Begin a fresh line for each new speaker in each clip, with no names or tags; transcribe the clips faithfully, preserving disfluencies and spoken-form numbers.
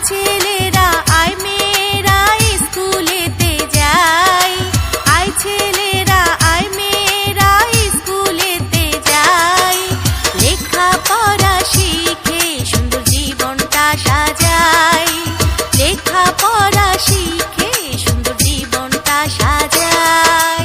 ছেলেরা আয় মেয়েরা স্কুলেতে যাই, আয় ছেলেরা আয় মেয়েরা স্কুলেতে যাই, লেখাপড়া শিখে সুন্দর জীবনটা সাজাই, লেখাপড়া শিখে সুন্দর জীবনটা সাজাই।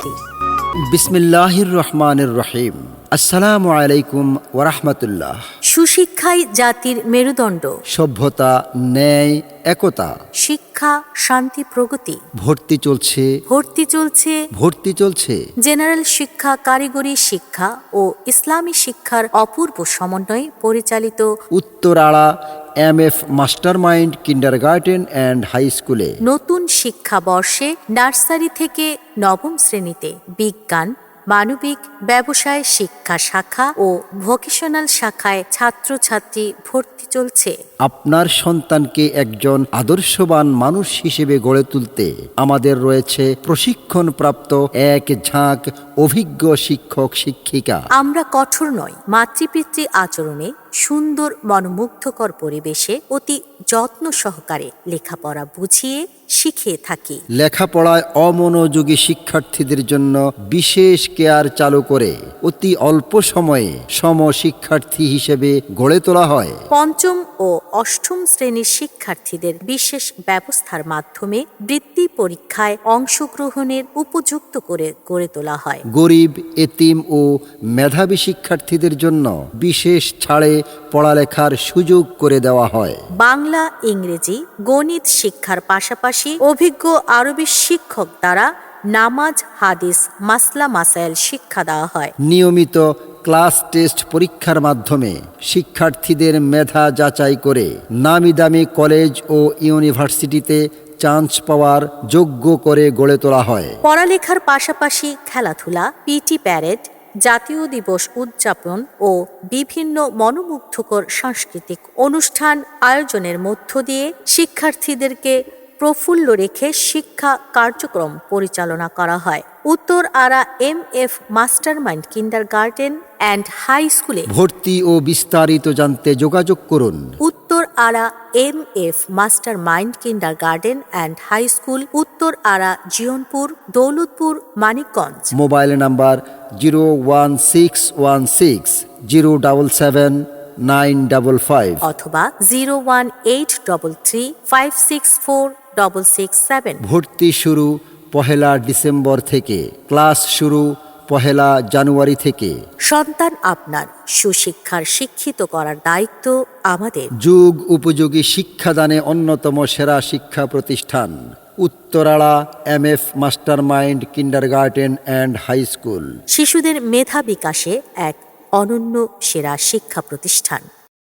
বিসমিল্লাহির রহমানির রহিম। আসসালামু আলাইকুম ওয়া রাহমাতুল্লাহ।
সুশিক্ষাই জাতির মেরুদণ্ড,
সভ্যতা, ন্যায়, একতা,
শিক্ষা, শান্তি, প্রগতি।
ভর্তি চলছে,
ভর্তি চলছে,
ভর্তি চলছে।
জেনারেল শিক্ষা, কারিগরি শিক্ষা ও ইসলামী শিক্ষার অপূর্ব সমন্বয়ে পরিচালিত
Uttarara M F mastermind kindergarten and high স্কুলে
নতুন শিক্ষাবর্ষে নার্সারি থেকে নবম শ্রেণীতে বিজ্ঞান, মানবিক, ব্যবসায় শিক্ষা শাখা ও ভোকেশনাল শাখায় ছাত্রছাত্রী ভর্তি চলছে।
আপনার সন্তানকে একজন আদর্শবান মানুষ হিসেবে গড়ে তুলতে আমাদের রয়েছে প্রশিক্ষণপ্রাপ্ত এক ঝাঁক অভিজ্ঞ শিক্ষক শিক্ষিকা।
আমরা কঠোর নয়, মাতৃপিতৃ আচরণে সুন্দর মনোমুগ্ধকর পরিবেশে অতি যত্ন সহকারে লেখাপড়া বুঝিয়ে শিখিয়ে থাকি।
লেখাপড়ায় অমনোযোগী শিক্ষার্থীদের জন্য বিশেষ কেয়ার চালু করে অতি অল্প সময়ে সম শিক্ষার্থী হিসেবে গড়ে তোলা হয়।
পঞ্চম ও অষ্টম শ্রেণীর শিক্ষার্থীদের বিশেষ ব্যবস্থার মাধ্যমে বৃত্তি পরীক্ষায় অংশগ্রহণের উপযুক্ত করে গড়ে তোলা হয়।
গরিব, এতিম ও মেধাবী শিক্ষার্থীদের জন্য বিশেষ ছাড়ে পড়ালেখার সুযোগ করে দেওয়া হয়।
বাংলা, ইংরেজি, গণিত শিক্ষার পাশাপাশি অভিজ্ঞ আরবি শিক্ষক দ্বারা নামাজ, হাদিস, মাসলা মাসাইল শিক্ষা দেওয়া হয়।
নিয়মিত ক্লাস টেস্ট পরীক্ষার মাধ্যমে শিক্ষার্থীদের মেধা যাচাই করে নামি দামি কলেজ ও ইউনিভার্সিটিতে চান্স পাওয়ার যোগ্য করে গড়ে তোলা হয়।
পড়ালেখার পাশাপাশি খেলাধুলা, পিটি প্যারেড, জাতীয় দিবস উদযাপন ও বিভিন্ন মনোমুগ্ধকর সাংস্কৃতিক অনুষ্ঠান আয়োজনের মধ্য দিয়ে শিক্ষার্থীদেরকে প্রফুল্ল রেখে শিক্ষা কার্যক্রম পরিচালনা করা হয়। Uttar Ara M F mastermind kindergarten and high স্কুলে
ভর্তি ও বিস্তারিত জানতে যোগাযোগ করুন।
Uttar Ara M F mastermind kindergarten and high school, Uttar Ara, Jionpur, Daulatpur, Manikganj.
Mobile number zero one six one six zero double seven nine double five
অথবা zero one eight double three five six four double six seven.
ভর্তি শুরু পহেলা December থেকে, class শুরু পহেলা জানুয়ারি থেকে।
সন্তান আপনার, সুশিক্ষার শিক্ষিত করার দায়িত্ব আমাদের।
যুগ উপযোগী শিক্ষাদানে অন্যতম সেরা শিক্ষা প্রতিষ্ঠান Uttarara M F mastermind kindergarten and high school.
শিশুদের মেধা বিকাশে এক অনন্য সেরা শিক্ষা প্রতিষ্ঠান।